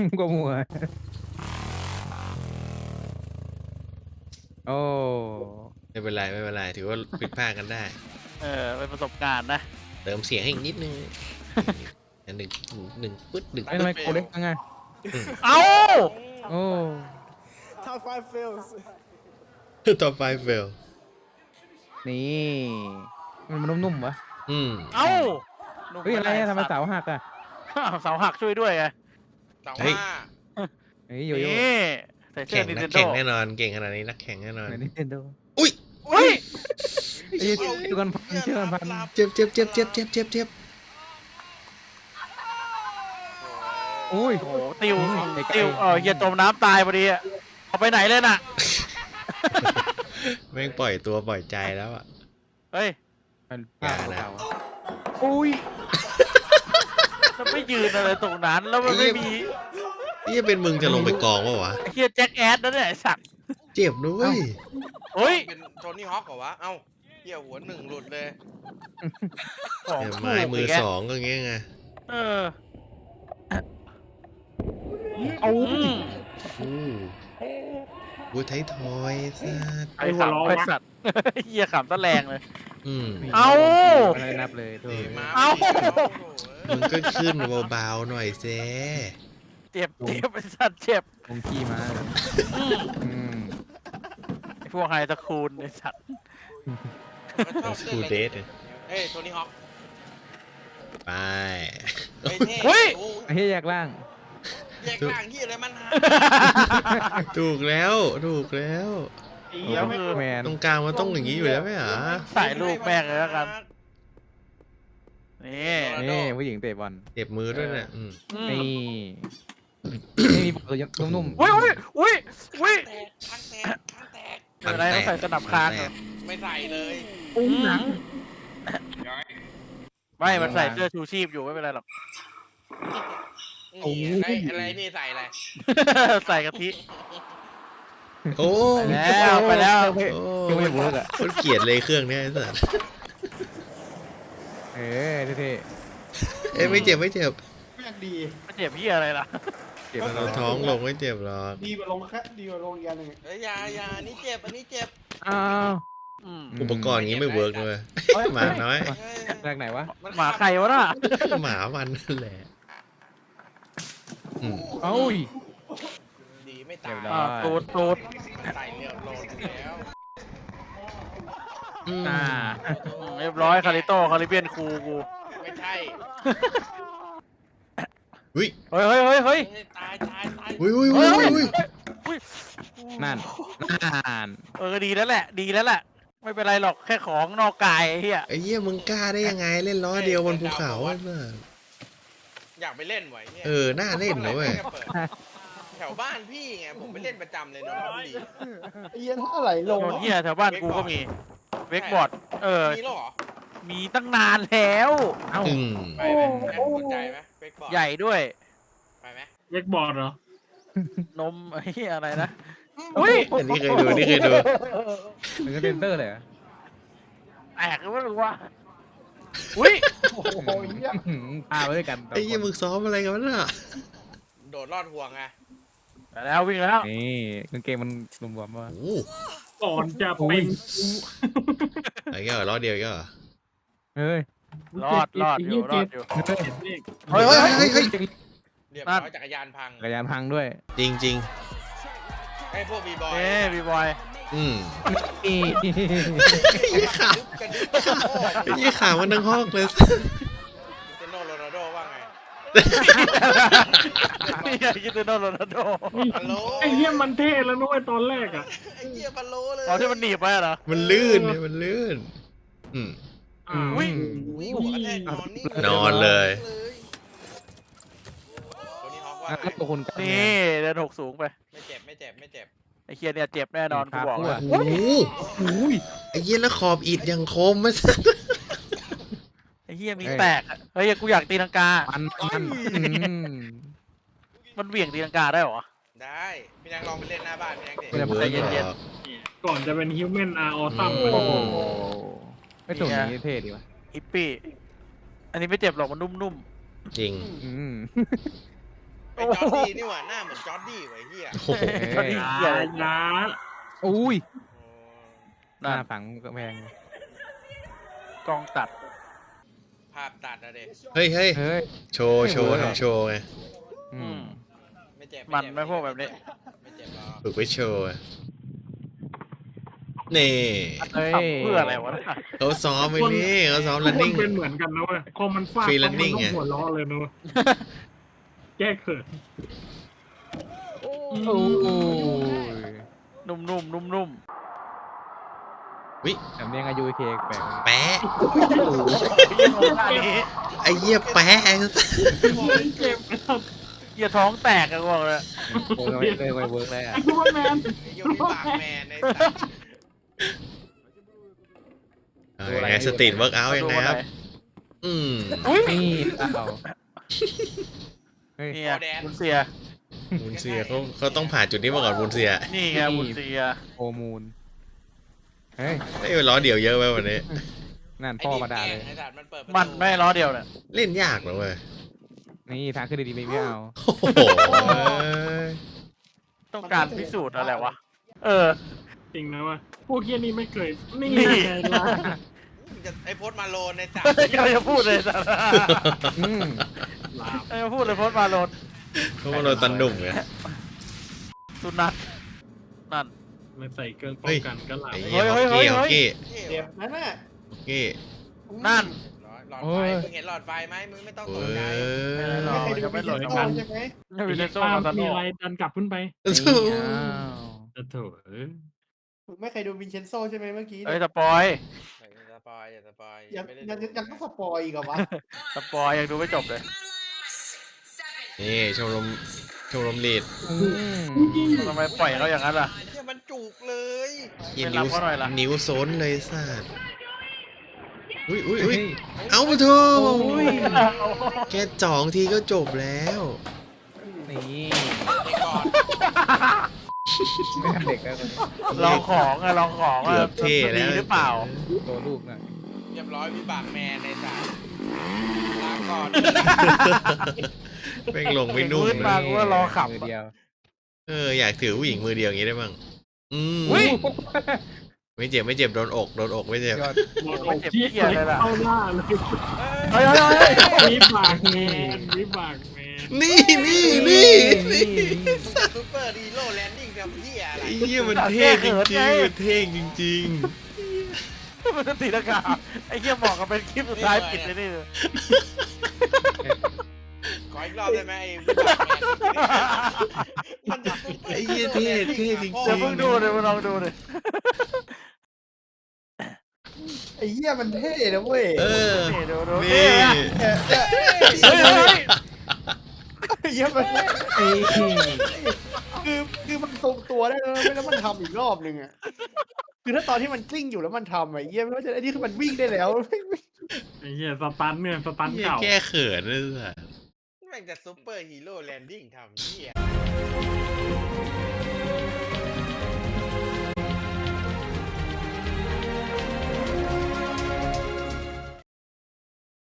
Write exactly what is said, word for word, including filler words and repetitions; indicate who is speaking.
Speaker 1: ก็มัวโอ้
Speaker 2: ไม่เป็นไรไม่เป็นไรถือว่าผิดพลาดกันได้
Speaker 3: เออเป็นประสบการณ์นะ
Speaker 2: เติมเสียงให้อีกนิดนึงอันหนึ่งหนึ่งปึ๊ดหนึ่ง
Speaker 1: ไอ้ทำไมโคเล็กจังไง
Speaker 3: เอ้า
Speaker 1: โอ้
Speaker 4: Top five fails.
Speaker 2: ต่อไปเฟล
Speaker 1: นี่มันมันนุ่มๆวะ
Speaker 2: อืม
Speaker 3: เอ้า
Speaker 1: เฮ้ยอะไรอะทำไมเสาหักอะ
Speaker 3: อ้าวเสาหักช่วยด้วยไง
Speaker 5: สอง
Speaker 2: เฮ้ย
Speaker 5: ห้า
Speaker 1: เฮ้ยโยโย่
Speaker 3: นี่ใส่เสื้
Speaker 2: แข่
Speaker 3: อง นิน
Speaker 2: นั
Speaker 3: เท
Speaker 2: ก
Speaker 3: นโด
Speaker 2: แข่งแน่นอนเก่งขนาดนี้นักแข่งแน่นอน
Speaker 1: ไหนนินเทนโด
Speaker 2: อุ้ย
Speaker 3: เฮ้ย
Speaker 1: ไอ้เชื่อกันพันเชื่อกันพัน
Speaker 2: เจ็บเจ็บเจ็บเจ็บเจ็บเจ็บเจ็บ
Speaker 1: โอ้ย
Speaker 3: โอ้โหติว
Speaker 1: ไอ้ไก่
Speaker 3: ติวเออเฮียจมน้ำตายพอดีอะเอาไปไหนเลยน่ะ
Speaker 2: แม่งปล่อยตัวปล่อยใจแล้วอ่ะ
Speaker 3: เฮ้ย
Speaker 1: มัน
Speaker 2: อย่านะ
Speaker 1: เก่าอุ้ย
Speaker 3: มันไม่ยืนอะไรตรงนั้นแล้วมันไม่มี
Speaker 2: นี่จะเป็นมึงจะลงไปกองวะวะ
Speaker 3: ไอ้เฮียแจ็คแอดนั่นแหละไอ้สัตว์
Speaker 2: เจ็บนะเว้ย
Speaker 3: เฮ้ย
Speaker 5: เป็นโทนี่ฮอคเหรอวะ เอ้าเหี้ยหัวหนึ่งหลุดเลย
Speaker 3: ของ
Speaker 2: เนี่ย
Speaker 3: ถูก
Speaker 2: ไม้มือ
Speaker 3: อีกแก
Speaker 2: สองก็อย่างเงี้ยไง
Speaker 3: เออ
Speaker 1: เอา
Speaker 3: อืม
Speaker 2: อู้บูไทยทอยสัตว์
Speaker 3: ไอ้ขำไอ้สัตว์เฮียขำตะแรงเลย
Speaker 2: อืม
Speaker 3: เอ้า
Speaker 1: อะไรนับเลยโถ่
Speaker 5: มา
Speaker 3: เอ้า
Speaker 2: มึงก็ขึ้นเบาๆหน่อยเซ
Speaker 3: เจ็บเจ็บไอ้สัตว์เจ็บ
Speaker 1: คงขี้มา
Speaker 3: อืม
Speaker 1: อืม
Speaker 3: ไอ้พวกไฮตะคูนไอ้สัตว์
Speaker 5: มันชอบ
Speaker 2: สกูเด
Speaker 5: เล่น
Speaker 2: ท
Speaker 5: เอ้ยโทนี่ฮอค
Speaker 2: ไป
Speaker 5: เฮ้ยเท่
Speaker 3: เฮ้ย
Speaker 5: โอ้
Speaker 1: ไอ้เหี้ยแยกล่าง
Speaker 5: แยกล่างที่อะไรมันหา
Speaker 2: ถูกแล้วถูกแล้ว
Speaker 3: แล้วคือ
Speaker 1: แมน
Speaker 2: ตรงกลางมันต้องอย่างนี้อยู่แล้วไหมหรอ
Speaker 3: ใส่ลูกแม่งเลยแล้วกัน นี่
Speaker 1: นี่ผู้หญิงเตะบอล
Speaker 2: เจ็บมือด้วยเนี่ยอืม
Speaker 3: อืม
Speaker 1: นี่นี่มีบอลยังนุ่ม
Speaker 3: อุ้ยอุ้ยอุ้ยอุ้ย
Speaker 5: แตกข้างแตกข้างแตก
Speaker 3: ไม่เป็นไรต้องใส่สนับคางเหรอ
Speaker 5: ไม่ใส่เลย
Speaker 1: ๆอุ้งหนัง
Speaker 3: ไม่ มันใส่เสื้อชูชีพอยู่ไม่เป็นไรหรอก
Speaker 5: นี่ไอ้อะไรนี่ใส่อะไร
Speaker 3: ใส่กะทิ
Speaker 2: โอ้
Speaker 3: ไปแล้วไปแล้ว
Speaker 2: โอ้
Speaker 1: ยังไม่เวิร์กอ่ะ
Speaker 2: คนเกลียดเลยเครื่องเนี้ยไอ้สัส
Speaker 1: เออเท่
Speaker 2: เอ้ยไม่เจ็บไม่เจ็บ
Speaker 4: แม่งดี
Speaker 3: มันเจ็บพี่อะไรล่ะ
Speaker 1: ๆเก็บมา
Speaker 2: เราท้องลงไม่เจ็บหรอก
Speaker 4: ดีกว่าลงแค่ดีกว่าลงอีกอันหนึ่ง
Speaker 5: เอ้ยอยาอยาอันนี้เจ็บอันนี้เจ็บ
Speaker 1: อ้าว
Speaker 3: อืม
Speaker 2: อุปกรณ์อย่างนี้ไม่เวิร์กเลยหมาน้อย
Speaker 5: เฮ้ย
Speaker 1: แรกไหนวะ
Speaker 3: หมาใครวะน่ะ
Speaker 2: หมามันนั่นแหละอืม
Speaker 1: เอ้ย
Speaker 5: ดีไม่ตาย
Speaker 1: เรียบร้
Speaker 3: อ่า
Speaker 1: อย
Speaker 3: ตูดตูด
Speaker 5: ใส่เรียวโลดอยู่แล้ว
Speaker 2: อืม
Speaker 1: อ่า
Speaker 3: อืมเรียบร้อยคาริโต้คาริเบียนคูกู
Speaker 5: ไม่ใช่
Speaker 2: อุ้ย
Speaker 3: เฮ้ยเฮ้ยเฮ้ยเฮ้ย
Speaker 5: เฮ้ยตายตายตาย
Speaker 2: อุ้ยอุ้ยอุ้ยอุ้ย
Speaker 3: อุ้ย
Speaker 1: นั่นนั่น
Speaker 3: เออดีแล้วแหละ ดีแล้วแหละ ไม่เป็นไรหรอกแค่ของนอกกายไอ้เหี้ย
Speaker 2: ไอ้เหี้ยมึงกล้าได้ยังไงเล่นล้อเดียวบนภูเขาอ่ะน่ะ
Speaker 5: อยากไปเล่นไหวเนี่ย
Speaker 2: เออน่าเล่นนะเว้ย
Speaker 5: แถวบ้านพี่ไงผมไปเล่นประจำเลยนนทบุรี
Speaker 4: ไอ้เหี้ยเท่าไหร่ลง
Speaker 3: โดนเหี้ยแถวบ้านกูก็มีเวกบอร์ด เออ
Speaker 5: มีแล้วเหรอ
Speaker 3: มีตั้งนานแล้ว
Speaker 1: เอ้า
Speaker 2: อืม
Speaker 5: ไปไหมแม่งสนใจไหมเฟกบอร์ด
Speaker 3: ใหญ่ด้วย
Speaker 5: ไปไหม
Speaker 6: เวกบอร์ดเหรอ
Speaker 3: นมไอ้เหี้ยอะไรนะ อุ้ย
Speaker 2: อันนี้เคยดูนี่เคยดู
Speaker 1: มันก็เซนเตอร์เลยเหรอ
Speaker 3: แตกหรือไม่รู้ว่าอุ้ย
Speaker 4: โอ้โหเหี้ย
Speaker 1: อื้อหือพาไปด้วยกันสอง
Speaker 2: ไอ้เหี้ย
Speaker 1: คน
Speaker 2: มึงซ้อมอะไรกันวะน่ะ
Speaker 5: โดดลอดห่วงไง
Speaker 3: ไปแล้ววิ่งแล้ว
Speaker 1: นี่กางเกงมันรวมๆว่า
Speaker 2: โอ้
Speaker 6: ก่อนจะเป็น
Speaker 2: ไอ้เงี้ยเหรอล้อเดียวอีก็เหรอ
Speaker 1: เฮ้ย
Speaker 3: รอดรอดอยู่รอดอยู่
Speaker 1: เฮ้ย
Speaker 3: เฮ้ยเฮ้ยเฮ้ย
Speaker 2: เฮ้ย
Speaker 5: เรียบ
Speaker 3: นั่
Speaker 5: ร้อน ยจักรยานพัง
Speaker 1: จักรยานพังด้วย
Speaker 2: จริงจริง
Speaker 5: ไอ้พวกบีบอย
Speaker 3: เอ้บีบอย
Speaker 2: ๆอืม
Speaker 1: นี่
Speaker 2: ยี่ขา
Speaker 5: กระดึ๊บกระดึ๊บโอ้ย
Speaker 2: ยี่ขามันทั้งห้องเลย
Speaker 5: เจโนโรนัลโดว่าไง
Speaker 3: นี่ไงคิดถึงโนโรนัลโด
Speaker 5: ฮัลโหล
Speaker 6: ไอ้เหี้ยมันเท่แล้วนุ้ยตอนแรกอ่ะ
Speaker 5: ไอ้เหี้ยฮัลโหลเลย
Speaker 3: ตอนที่มันหนีบไปเหรอ
Speaker 2: มันลื่นเนี่ยมันลื่น อืม
Speaker 6: อ่า
Speaker 3: อุ้ย
Speaker 5: อุ้ยหัวกระแทกนอนนี่
Speaker 2: นอนเลย
Speaker 5: ตัวนี้ฮอกว่า
Speaker 1: อ่ะ
Speaker 5: ไง
Speaker 1: แล้วตัวคุณกัน
Speaker 3: นี่เดินหกสูงไป
Speaker 5: ไม่เจ็บไม่เจ็บไม่เจ็บ
Speaker 3: ไอ้เคียเนี่ยเจ็บแน่นอนกูบอกเลย
Speaker 2: โอ้โหไอ้เหี้ยแล้วขอบอิดยังคมมาสัส
Speaker 3: ไอ้เฮียมีแตกอะเฮ้ยกูอยากตีลังกา
Speaker 1: มันมันอืม
Speaker 3: มันเหวี่ยงตีลังกาได้เหรอ
Speaker 5: ได้พี่นางลองไปเล่นหน้าบ้านพี่นางเด็ก
Speaker 1: ไม่ได้
Speaker 2: เวิร์ก
Speaker 3: เย็นๆ
Speaker 2: หรอก
Speaker 6: ก่อนจะเป็นฮิวแมนอาร์ออซัม
Speaker 2: อืม
Speaker 1: โอ้โหไม่ถูกอย่างนี้เท่ดีวะ
Speaker 3: ฮิปปี้ อันนี้ไม่เจ็บหรอกมันนุ่ม
Speaker 2: จริง
Speaker 1: อืม
Speaker 3: ๆ
Speaker 5: ไอ้จอร์ดี้นี่หว่าหน้าเหมือนจอร์ดี้ไว้เฮีย
Speaker 2: โอ้โห
Speaker 1: เฮ้ย
Speaker 6: อยาอยา
Speaker 1: อุ้ยห
Speaker 3: นั่
Speaker 1: น้าน ฝังกำแพง
Speaker 3: กล้องตัด
Speaker 5: ภาพตัดนะเด็ก
Speaker 2: เฮ้ยเฮ้ย
Speaker 1: เฮ้ย
Speaker 2: โชว์โชว์ทำโชว์ไง
Speaker 1: อื
Speaker 3: อื
Speaker 1: ม
Speaker 3: ม
Speaker 5: ไม่เจ็บ
Speaker 3: มัน
Speaker 5: เจ็
Speaker 3: ไม่พวกแบบนี้
Speaker 5: ไม่เจ็บหรอก
Speaker 2: ฝึกไว้โชว์อะนี่
Speaker 1: เฮ้ย
Speaker 3: ทำเพื่ออะไรวะเนี่ย
Speaker 2: เขาซ้อมไว้นี่เขาซ้อม
Speaker 6: ทุกคน
Speaker 2: running
Speaker 6: เป็นเหมือนกันนะเว้ยพอมันฟาด
Speaker 2: Free
Speaker 6: ปั๊บมัน
Speaker 2: running
Speaker 6: ต้อง
Speaker 2: ไง
Speaker 6: หัวล้อเลยนะเว้ยแก้เขิน
Speaker 1: โอ้ย
Speaker 3: นุ่มๆนุ่ม
Speaker 2: วิ
Speaker 1: สำเนียงอายุเคแปลก
Speaker 2: แปะ
Speaker 3: ๆเยี่ยของท่านี้
Speaker 2: ไอ้เหี้ยแปะ
Speaker 6: เจ็บครับ
Speaker 3: เยี่ยท้องแตกกันบอกเลย
Speaker 1: เวิร์กเลยเลยเวิร์กเลยอ่ะ
Speaker 6: ไอ้ซูเปอร์แมน
Speaker 5: ไอ้ยูนิบากแมนในสัตว์
Speaker 2: เอายังไงสตรีทเวิร์กเอาท์ยังไงครับ อืม
Speaker 3: อุ้ย
Speaker 1: นี่อ้าวเฮ้ย
Speaker 3: เนี่ยบุญเสีย
Speaker 2: บุญเสียเขาเขาต้องผ่านจุดนี้มาก่อนบุญเสีย
Speaker 3: นี่ไงบุญเสีย
Speaker 1: โอมูลเฮ้ย
Speaker 2: ไอ้ยล้อเดี่ยวเยอะไปวันนี้
Speaker 1: นั่น
Speaker 5: ไอ้
Speaker 1: พ่อ
Speaker 5: ดิ
Speaker 1: มาด่าเลย
Speaker 5: ไอ้สัตว์มันเปิดประตู
Speaker 3: มันไม่ล้อเดียวเนี่ย
Speaker 2: เล่นยากเหรอเว้ย
Speaker 1: นี่ทางขึ้นดีๆไม่เอา
Speaker 2: โอ้โห
Speaker 3: ต้องการพิสูจน์อะไรวะ เออ
Speaker 6: จริงนะเว่าพวกเฮียนี่ไม่เคยนี่
Speaker 3: นี่
Speaker 6: ไงล่ะ
Speaker 5: มึงจะไอ้โพสต์มาโลนในสัตว์
Speaker 3: กำลังจะพูดเลยสัตว์
Speaker 1: อืม
Speaker 6: ลาบ
Speaker 3: กำลังจะพูดเลยโพสต์มาโลด
Speaker 2: เขามาโดนตันดุ่มไง
Speaker 3: สุนัขนั่น
Speaker 6: ไม่ใส่เครื่องป้องกันก็หลับ
Speaker 2: ไอ้เหี้ย
Speaker 3: เฮ้
Speaker 2: ฮอย ก
Speaker 3: เฮ้ย
Speaker 2: กี้ฮ
Speaker 3: เฮ้
Speaker 2: อย กกี้
Speaker 4: เจ็บนะน่ะ
Speaker 2: ฮอกกี้
Speaker 3: นั่น
Speaker 5: หลอดไฟมึงเห็นหลอดไฟไหมมึงไม่ต้องตก
Speaker 2: เว้
Speaker 5: ใจ
Speaker 2: ย
Speaker 3: รอ
Speaker 4: ไม่เคยดู
Speaker 3: ยังไม่
Speaker 4: วิ
Speaker 3: ห
Speaker 4: ดี
Speaker 3: ล่น
Speaker 4: โอ
Speaker 3: กัน
Speaker 4: ใช่ไหม
Speaker 3: ไม่มีเลโซ่
Speaker 6: ป้า
Speaker 3: มาตาโน
Speaker 6: มีอะไรดันกลับขึ้นไป
Speaker 1: นี่อ้าว
Speaker 6: จะโถเอ้ย
Speaker 4: มึงไม่เคยดูวินเชนโซใช่ไหมเมื่อกี้
Speaker 3: เอ้ย
Speaker 4: เนี่ย
Speaker 3: สปอย
Speaker 5: อย่าสปอยอย่าสปอย
Speaker 4: ยัง
Speaker 5: ไม่ได้
Speaker 4: ยัง
Speaker 5: ดู
Speaker 4: ยังต้องสปอยอีกเหรอวะ
Speaker 3: สปอยยังดูไม่จบเลย
Speaker 2: นี่ชมรมชมรมลีด
Speaker 1: อืม
Speaker 3: ทำไมปล่อยเขาอย่างนั้นล่ะ
Speaker 5: เนี่ยมันจุกเลย
Speaker 2: ยิน
Speaker 3: ไม่รั
Speaker 2: นิ้
Speaker 3: บ
Speaker 2: ว
Speaker 3: เขาหน่อยล่ะ
Speaker 2: นิ้วโซนเลยสัตว์อุ้ยอุ้ย
Speaker 1: เฮ้
Speaker 2: อุ้ย
Speaker 1: ย
Speaker 2: เอาเถอะ
Speaker 1: โอ้ย
Speaker 2: แค่จ่องทีก็จบแล้ว
Speaker 1: นี่
Speaker 5: เด็กก่อน
Speaker 1: ไม่ทำเด็กแล้ว
Speaker 3: ลองของอะลองของอะ
Speaker 2: เกือบเท่
Speaker 3: มัน
Speaker 2: แล้
Speaker 3: ดี
Speaker 2: ว
Speaker 3: หรือเปล่า
Speaker 1: ตัวลูกหน่อย
Speaker 5: เรียบร้อยวิบากแมนในสัตว์ลาก่อน
Speaker 2: แม่งลงไม่นุ่ม
Speaker 3: มืด
Speaker 2: เล
Speaker 3: มาย กูว่ารอขับ
Speaker 1: มือเดียว
Speaker 2: เอออยากถือผู้หญิงมือเดียวอย่างนี้ได้บ้างอืม
Speaker 3: อุ๊ย
Speaker 2: ไม่เจ็บไม่เจ็บโดนอกโดนอกไม่เจ็บ
Speaker 1: ยอด
Speaker 6: หมดอกที่เข้าหน้าเลย
Speaker 3: เฮ้ยเฮ้ยเฮ้ยเฮ้ย
Speaker 6: วิบากแมนวิบากแมน
Speaker 2: นี่นี่นี่นี่
Speaker 5: ซูเปอร์ฮีโร่แลนดิ้งทำเหี้ยอะไร
Speaker 2: ไอ้เหี้ยมันเท่จริงๆมันเท่จริง
Speaker 3: มันจะตีลังกาไอ้เหี้ยบอกกับเป็นคลิปสุดท้ายปิดเลยนี่เลย
Speaker 5: ขออีกรอบได้ไหมไอ้วิบากแมนมันจะซูเปอ
Speaker 2: ๆ
Speaker 5: ร์
Speaker 2: ไอ้เหี้ยเท่เท่จริง
Speaker 3: เดี๋ยวเพิ่งดูเลยมาลองดูเลย
Speaker 4: ไอ้เหี้ยมันเท่นะเว้ย
Speaker 2: ๆเออ
Speaker 3: นี่ดูดู
Speaker 2: นี่
Speaker 3: นี่นะ
Speaker 4: เนี่ยเนี่ย
Speaker 3: เฮ้ยเฮ้ยเฮ้ย
Speaker 4: ไอ้เหี้ยมัน
Speaker 1: เอ้ย
Speaker 4: คือคือมันทรงตัวได้แล้วไม่แล้วมันทำอีกรอบหนึ่งอ่ะคือถ้าตอนที่มันกลิ้งอยู่แล้วมันทำอะไอ้เหี้ยไม่ว่าจะไอ้นี่คือมันวิ่งได้แล้ว
Speaker 6: ไอ้เหี้ยสตันเนี่ยสตัน
Speaker 2: เหี้ย
Speaker 6: เก่า
Speaker 2: แก้เขินเลยสัส
Speaker 5: แม่งจะซูเปอร์ฮีโร่แลนดิ้งทำเหี้ย